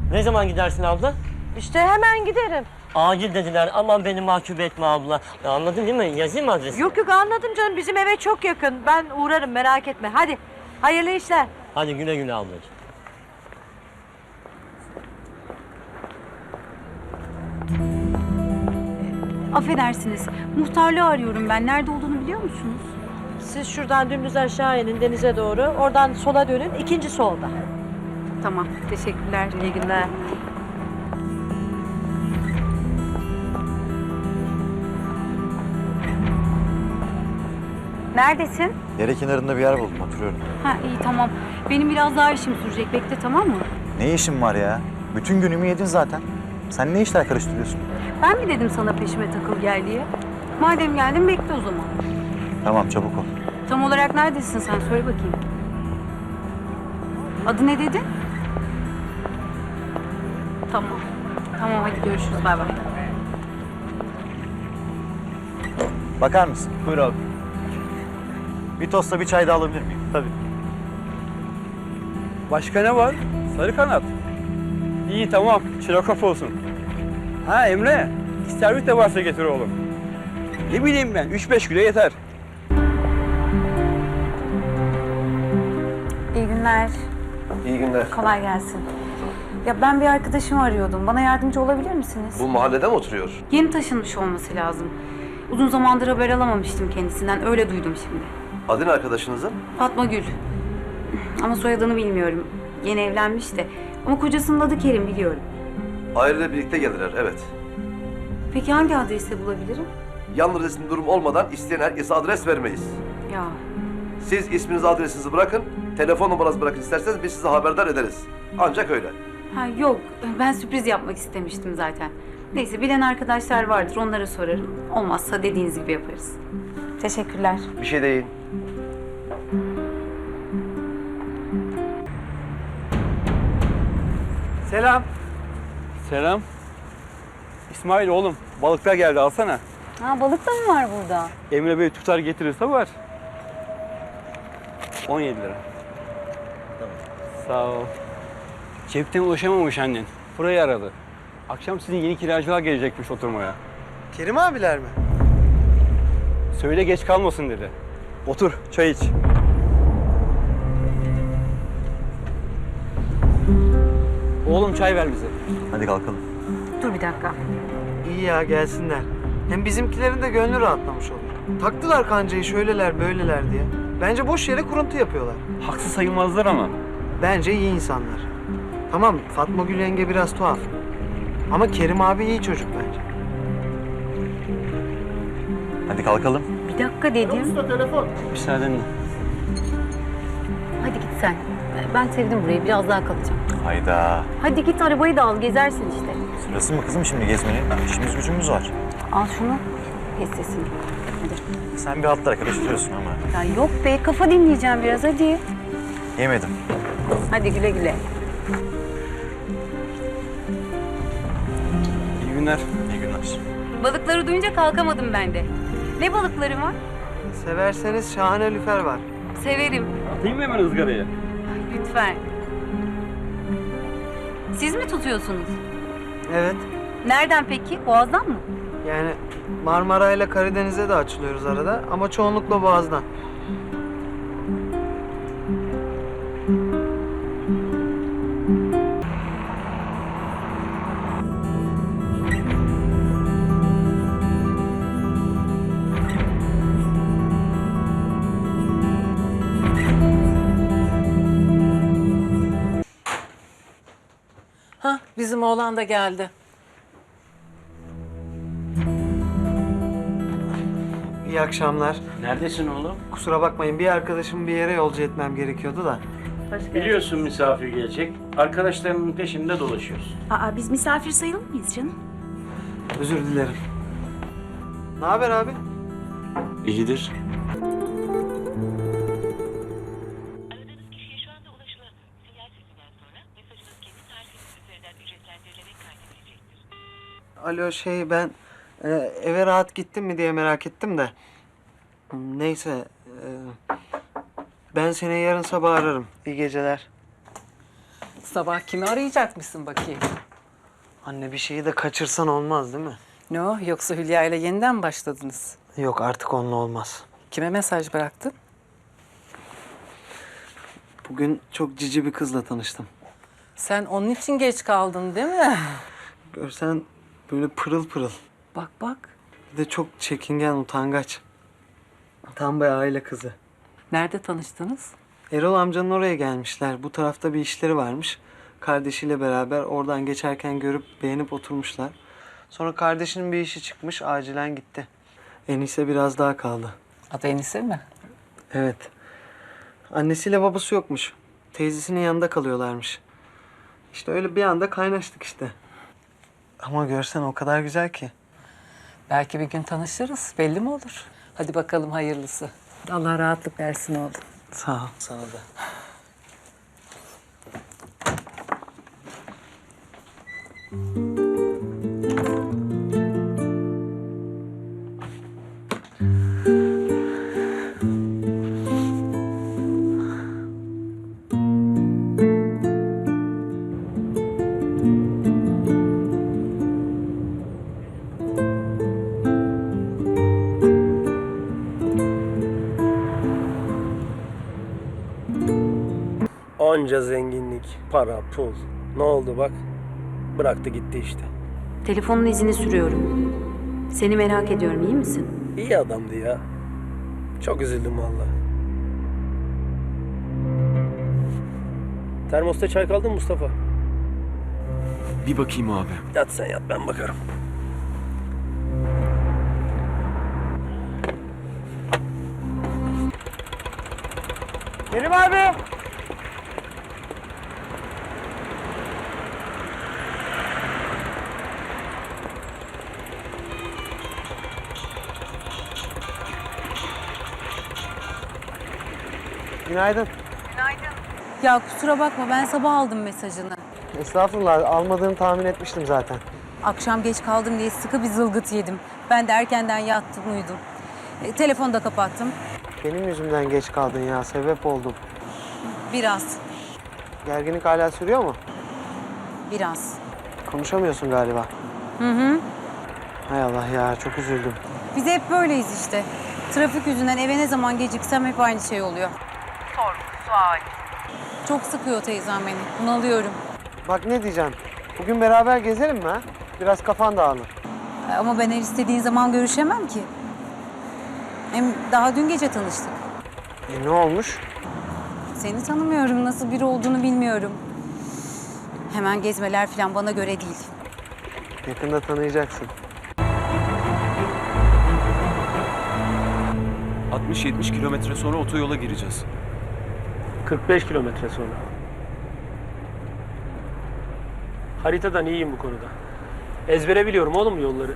Ne zaman gidersin abla? İşte hemen giderim. Acil dediler. Aman beni mahcup etme abla. Ya anladın değil mi? Yazayım mı adresi? Yok anladım canım. Bizim eve çok yakın. Ben uğrarım merak etme. Hadi hayırlı işler. Hadi güle güle ablacığım. Affedersiniz. Muhtarlığı arıyorum ben. Nerede olduğunu biliyor musunuz? Siz şuradan dümdüz aşağı inin denize doğru. Oradan sola dönün. İkinci solda. Tamam. Teşekkürler. İyi günler. Neredesin? Dere kenarında bir yer buldum, oturuyorum. Ha iyi tamam. Benim biraz daha işim sürecek. Bekle tamam mı? Ne işin var ya? Bütün günümü yedin zaten. Sen ne işler karıştırıyorsun? Ben mi dedim sana peşime takıl gel diye? Madem geldin bekle o zaman. Tamam, çabuk ol. Tam olarak neredesin sen? Söyle bakayım. Adı ne dedin? Tamam. Tamam hadi görüşürüz. Bay bay. Bakar mısın? Buyur abi. Bir tostla bir çay da alabilir miyim? Tabii. Başka ne var? Sarı kanat. İyi tamam. Çilekop olsun. Ha Emre. İstervit de varsa getir oğlum. Ne bileyim ben. 3-5 kilo yeter. İyi günler. İyi günler. Kolay gelsin. Ya ben bir arkadaşımı arıyordum. Bana yardımcı olabilir misiniz? Bu mahallede mi oturuyor? Yeni taşınmış olması lazım. Uzun zamandır haber alamamıştım kendisinden. Öyle duydum şimdi. Adı ne arkadaşınızın? Fatma Gül. Ama soyadını bilmiyorum. Yeni evlenmiş de. Ama kocasının adı Kerim biliyorum. Aileyle birlikte gelirler, evet. Peki hangi adreste bulabilirim? Yalnız resim durum olmadan isteyen herkese adres vermeyiz. Ya Siz isminizi, adresinizi bırakın, telefon numaranızı bırakın isterseniz biz sizi haberdar ederiz. Ancak öyle. ha, yok ben sürpriz yapmak istemiştim zaten. Neyse bilen arkadaşlar vardır onlara sorarım. Olmazsa dediğiniz gibi yaparız. Teşekkürler. Bir şey değil. Selam. Selam. İsmail oğlum. Balıklar geldi alsana. Ha balık da mı var burada? Emre Bey tutar getirirse var. 17 lira. Tamam. Sağ ol. Cepten ulaşamamış annen. Burayı aradı. Akşam sizin yeni kiracılar gelecekmiş oturmaya. Kerim abiler mi? Söyle geç kalmasın dedi. Otur, çay iç. Oğlum çay ver bize. Hadi kalkalım. Dur bir dakika. İyi ya gelsinler. Hem bizimkilerin de gönlü rahatlamış olur. Taktılar kancayı şöyleler böyleler diye. Bence boş yere kuruntu yapıyorlar. Haksız sayılmazlar ama. Bence iyi insanlar. Tamam Fatma Gül yenge biraz tuhaf. Ama Kerim abi iyi çocuk bence. Hadi kalkalım. Bir dakika dedim. Müsaadenle. Hadi git sen. Ben sevdim burayı. Biraz daha kalacağım. Hayda. Hadi git arabayı da al. Gezersin işte. Sırası mı kızım şimdi gezmenin? İşimiz gücümüz var. Al şunu. Kes sesini. Hadi. Sen bir hatlara karıştırıyorsun ama. Ya yok be. Kafa dinleyeceğim biraz. Hadi. Yemedim. Hadi güle güle. İyi günler. İyi günler. Balıkları duyunca kalkamadım ben de. Ne balıkları var? Severseniz şahane lüfer var. Severim. Atayım mı hemen ızgaraya? Ay, lütfen. Siz mi tutuyorsunuz? Evet. Nereden peki? Boğaz'dan mı? Yani Marmara ile Karadeniz'e de açılıyoruz arada ama çoğunlukla Boğaz'dan. Hah, bizim oğlan da geldi. İyi akşamlar. Neredesin oğlum? Kusura bakmayın bir arkadaşımı bir yere yolcu etmem gerekiyordu da. Biliyorsun misafir gelecek. Arkadaşlarının peşinde dolaşıyorsun. Aa biz misafir sayılır mıyız canım? Özür dilerim. Ne haber abi? İyidir. Aradığınız kişiye şu anda ulaşılamıyor. Sinyal sesinden sonra mesajınız kendi tarifiniz üzerinden ücretlendirilerek kaydedilecektir. Alo ben eve rahat gittin mi diye merak ettim de. Neyse ben seni yarın sabah ararım. İyi geceler. Sabah kimi arayacakmışsın bakayım? Anne bir şeyi de kaçırsan olmaz değil mi? Ne o? Yoksa Hülya ile yeniden mi başladınız? Yok artık onunla olmaz. Kime mesaj bıraktın? Bugün çok cici bir kızla tanıştım. Sen onun için geç kaldın değil mi? Görsen böyle pırıl pırıl. Bak bak. Bir de çok çekingen, utangaç. Tam bir aile kızı. Nerede tanıştınız? Erol amcanın oraya gelmişler. Bu tarafta bir işleri varmış. Kardeşiyle beraber oradan geçerken görüp beğenip oturmuşlar. Sonra kardeşinin bir işi çıkmış, acilen gitti. Enise biraz daha kaldı. Adı Enise mi? Evet. Annesiyle babası yokmuş. Teyzesinin yanında kalıyorlarmış. İşte öyle bir anda kaynaştık işte. Ama görsen o kadar güzel ki. Belki bir gün tanışırız. Belli mi olur? Hadi bakalım hayırlısı. Allah rahatlık versin oğlum. Sağ ol, sana da. Onca zenginlik, para, pul. Ne oldu bak? Bıraktı gitti işte. Telefonun izini sürüyorum. Seni merak ediyorum, iyi misin? İyi adamdı ya. Çok üzüldüm valla. Termosta çay kaldı mı Mustafa? Bir bakayım abi. Yat sen yat, ben bakarım. Kerim abi. Günaydın. Ya kusura bakma ben sabah aldım mesajını. Estağfurullah, almadığını tahmin etmiştim zaten. Akşam geç kaldım diye sıkı bir zılgıt yedim. Ben de erkenden yattım uyudum. Telefonu da kapattım. Benim yüzümden geç kaldın ya, sebep oldum. Biraz, Gerginlik hala sürüyor mu? biraz. Konuşamıyorsun galiba. Hı hı. Hay Allah ya, çok üzüldüm. Biz hep böyleyiz işte. Trafik yüzünden eve ne zaman geciksem hep aynı şey oluyor. Çok sıkıyor teyzem beni. Bunalıyorum. Bak ne diyeceğim, bugün beraber gezelim mi ha? Biraz kafan dağılır. Ama ben her istediğin zaman görüşemem ki. Hem daha dün gece tanıştık. Ne olmuş? Seni tanımıyorum, nasıl biri olduğunu bilmiyorum. Hemen gezmeler falan bana göre değil. Yakında tanıyacaksın. 60-70 kilometre sonra otoyola gireceğiz. 45 kilometre sonra. Haritadan iyiyim bu konuda. Ezbere biliyorum oğlum yolları.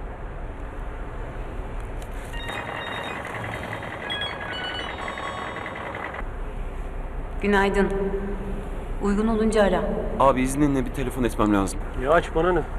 Günaydın. Uygun olunca ara. Abi izninle bir telefon etmem lazım. Ya aç bana ne?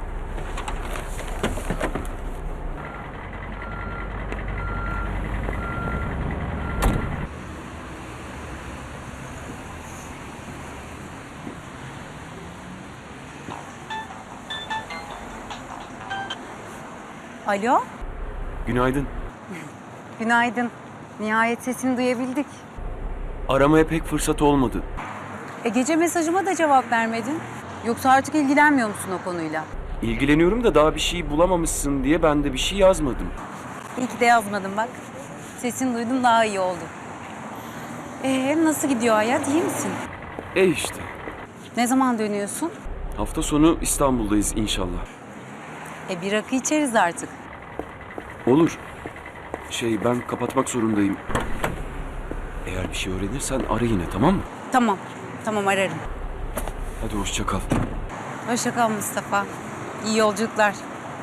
Alo, Günaydın. günaydın. Nihayet sesini duyabildik. Aramaya pek fırsat olmadı. Gece mesajıma da cevap vermedin. Yoksa artık ilgilenmiyor musun o konuyla? İlgileniyorum da daha bir şey bulamamışsın diye ben de bir şey yazmadım. İyi ki de yazmadım bak. Sesini duydum daha iyi oldu. Nasıl gidiyor hayat? İyi misin? İşte. Ne zaman dönüyorsun? Hafta sonu İstanbul'dayız inşallah. Bir rakı içeriz artık. Olur. Ben kapatmak zorundayım. Eğer bir şey öğrenirsen ara yine, tamam mı? Tamam, tamam ararım. Hadi hoşça kal. Hoşça kal Mustafa. İyi yolculuklar.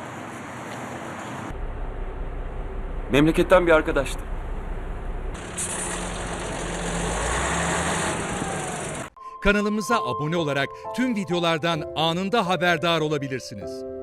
Memleketten bir arkadaştı. Kanalımıza abone olarak tüm videolardan anında haberdar olabilirsiniz.